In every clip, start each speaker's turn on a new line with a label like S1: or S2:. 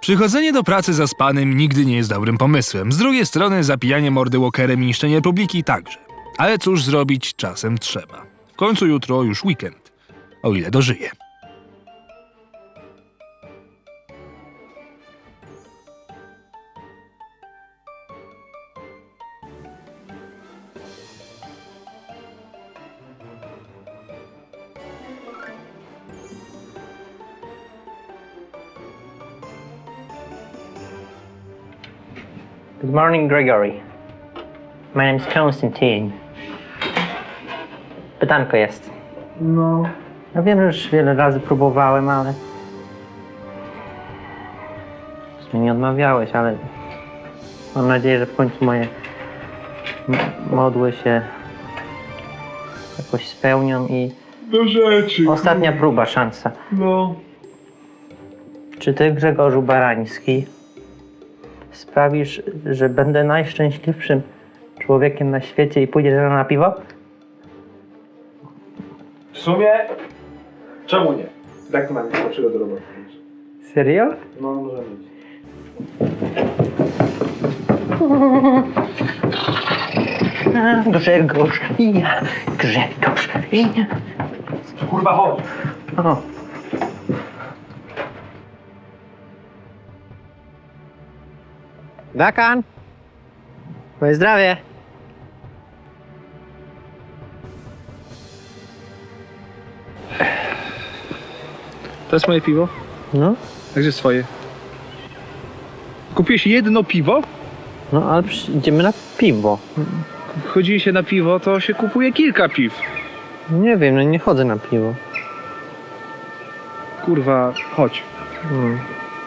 S1: Przychodzenie do pracy zaspanym nigdy nie jest dobrym pomysłem. Z drugiej strony zapijanie mordy walkerem i niszczenie publiki także. Ale cóż zrobić, czasem trzeba. W końcu jutro już weekend. O ile dożyję.
S2: Good morning, Gregory. My name is Konstantin. Pytanko jest.
S3: No,
S2: Ja wiem, że już wiele razy próbowałem, ale... W sumie nie odmawiałeś, ale... Mam nadzieję, że w końcu moje modły się jakoś spełnią i...
S3: do rzeczy.
S2: Ostatnia próba, szansa.
S3: No.
S2: Czy ty, Grzegorzu Barański, sprawisz, że będę najszczęśliwszym człowiekiem na świecie i pójdziesz ze mną na piwo?
S3: W sumie, czemu nie? Tak mam nic lepszego do roboty.
S2: Serio?
S3: No, może być.
S2: Grzegorz, ja, Grzegorz, ja.
S3: Kurwa, chodź.
S2: O. Dakan, moje zdrowie.
S3: To jest moje piwo?
S2: No,
S3: A gdzie swoje? Kupiłeś jedno piwo?
S2: no ale idziemy na piwo.
S3: Chodzi się na piwo, to się kupuje kilka piw.
S2: Nie wiem, no nie chodzę na piwo.
S3: Kurwa, chodź.
S2: Hmm.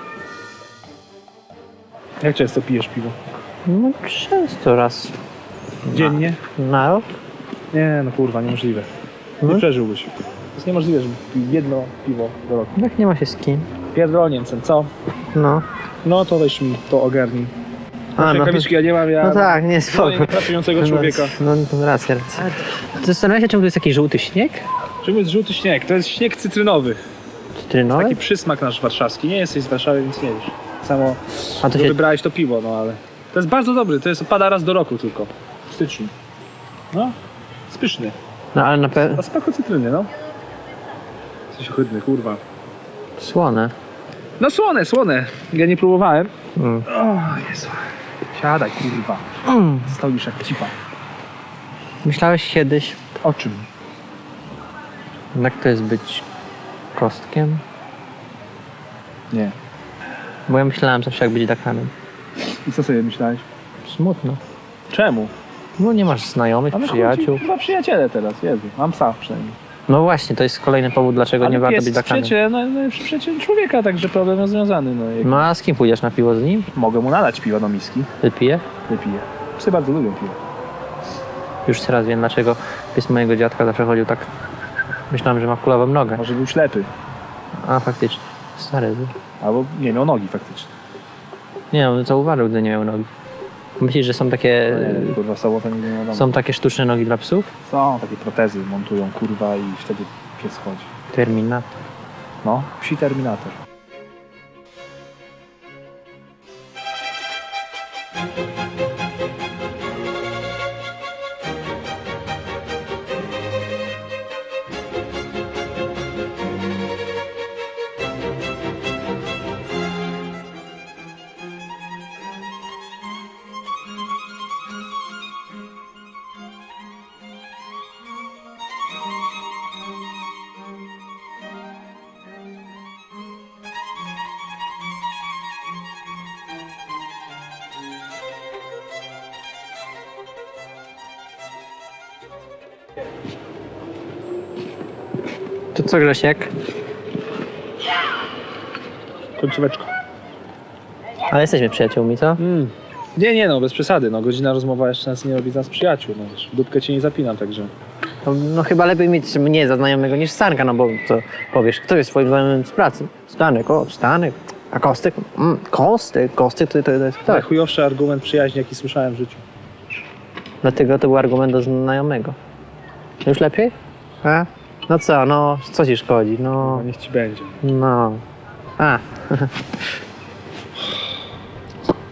S3: Jak często pijesz piwo?
S2: No często raz
S3: Dziennie?
S2: na rok.
S3: Nie, no kurwa, niemożliwe. Nie
S2: No.
S3: przeżyłbyś. To jest niemożliwe, żeby pił jedno piwo do roku.
S2: Jak nie ma się z kim.
S3: Pierdol Niemcem, co?
S2: No.
S3: No to weź mi to ogarnij.
S2: A, no,
S3: Rękawiczki ja nie mam, ja...
S2: no tak, nie spoko.
S3: nie pracującego człowieka.
S2: No racja. Zastanawiam się, czemu to jest taki żółty śnieg?
S3: Czym jest żółty śnieg? To jest śnieg cytrynowy.
S2: Cytrynowy?
S3: Taki przysmak nasz warszawski. Nie jesteś z Warszawy, więc nie wiesz. Samo
S2: A to
S3: że
S2: się...
S3: wybrałeś to piwo, no ale... To jest bardzo dobry, to jest pada raz do roku tylko. W styczniu. No, jest pyszny.
S2: No ale na pewno...
S3: A smaku cytryny, no. Jesteś ohydny, kurwa.
S2: Słone.
S3: No słone, słone. Ja nie próbowałem.
S2: Mm.
S3: O Jezu. Siadaj, kurwa.
S2: Mm.
S3: Stoisz jak cipa.
S2: Myślałeś kiedyś,
S3: O czym?
S2: jak to jest być kostkiem?
S3: Nie.
S2: Bo ja myślałem zawsze, jak być Dakanem.
S3: I co sobie myślałeś?
S2: Smutno.
S3: Czemu?
S2: No nie masz znajomych, przyjaciół.
S3: Chyba przyjaciele teraz, Jezu. Mam psa przynajmniej.
S2: No właśnie, to jest kolejny powód, dlaczego nie warto
S3: pies
S2: być
S3: jest
S2: Dakanem.
S3: przyjacielem, najlepszy przyjaciel człowieka, także problem rozwiązany. No, jak
S2: No a z kim pójdziesz na piwo z nim?
S3: mogę mu nalać piwa do miski.
S2: Wypije?
S3: Wypiję. Psy bardzo lubią piwo.
S2: Już teraz wiem, dlaczego pies mojego dziadka zawsze chodził tak... Myślałem, że ma kulawą nogę.
S3: Może był ślepy.
S2: A faktycznie. Stary był.
S3: Albo nie miał nogi faktycznie.
S2: Nie, on zauważył, gdy nie miał nogi. Myślisz, że są takie...
S3: Nie, kurwa, sobota nigdy nie wiadomo.
S2: Są takie sztuczne nogi dla psów?
S3: Są takie protezy, montują kurwa i wtedy pies chodzi.
S2: Terminator.
S3: No, psi Terminator.
S2: To co, Grzesiek?
S3: Końcóweczka.
S2: Ale jesteśmy przyjaciółmi, co?
S3: Nie, no bez przesady. No, godzina rozmowa jeszcze nas nie robi z nas przyjaciół. No, wiesz, dupkę ci nie zapinam, także...
S2: No chyba lepiej mieć mnie za znajomego niż Stanka, no bo co powiesz, kto jest twoim znajomym z pracy? Stanek, o, Stanek. A Kostek? Kostek to jest kto?
S3: Najchujowszy argument przyjaźni, jaki słyszałem w życiu.
S2: Dlatego to był argument do znajomego. Już lepiej? A? No co, no, co ci szkodzi?
S3: No,
S2: No,
S3: niech ci będzie.
S2: no. A,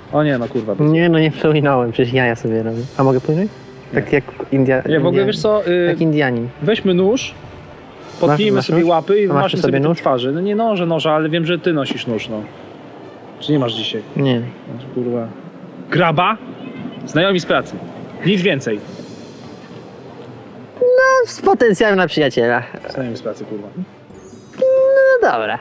S3: O nie, no kurwa.
S2: Nie, no nie przewinąłem, przecież jaja sobie robię. A mogę płynąć? Tak jak
S3: Nie, w ogóle wiesz co,
S2: Jak Indianin.
S3: weźmy nóż, podpnijmy
S2: masz
S3: sobie
S2: nóż?
S3: łapy i
S2: A masz
S3: maszmy
S2: tu
S3: sobie
S2: sobie
S3: nóż
S2: nóż?
S3: twarzy. No nie noże, ale wiem, że ty nosisz nóż, no. Czy nie masz dzisiaj?
S2: Nie.
S3: No, kurwa. Graba? Znajomi z pracy. Nic więcej.
S2: No, z potencjałem na przyjaciela.
S3: Znajomi z pracy, kurwa.
S2: No dobra.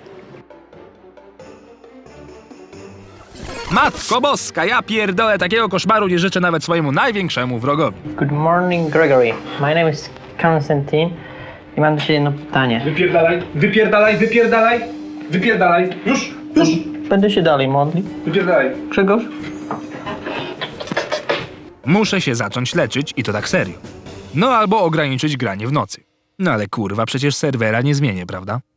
S1: Matko boska, ja pierdolę, takiego koszmaru nie życzę nawet swojemu największemu wrogowi.
S2: Good morning, Gregory. My name is Konstantin i mam do ciebie jedno pytanie.
S3: Wypierdalaj. Już.
S2: Będę się dalej modlił.
S3: Wypierdalaj.
S2: Grzegorz?
S1: Muszę się zacząć leczyć i to tak serio. No albo ograniczyć granie w nocy. No ale kurwa, przecież serwera nie zmienię, prawda?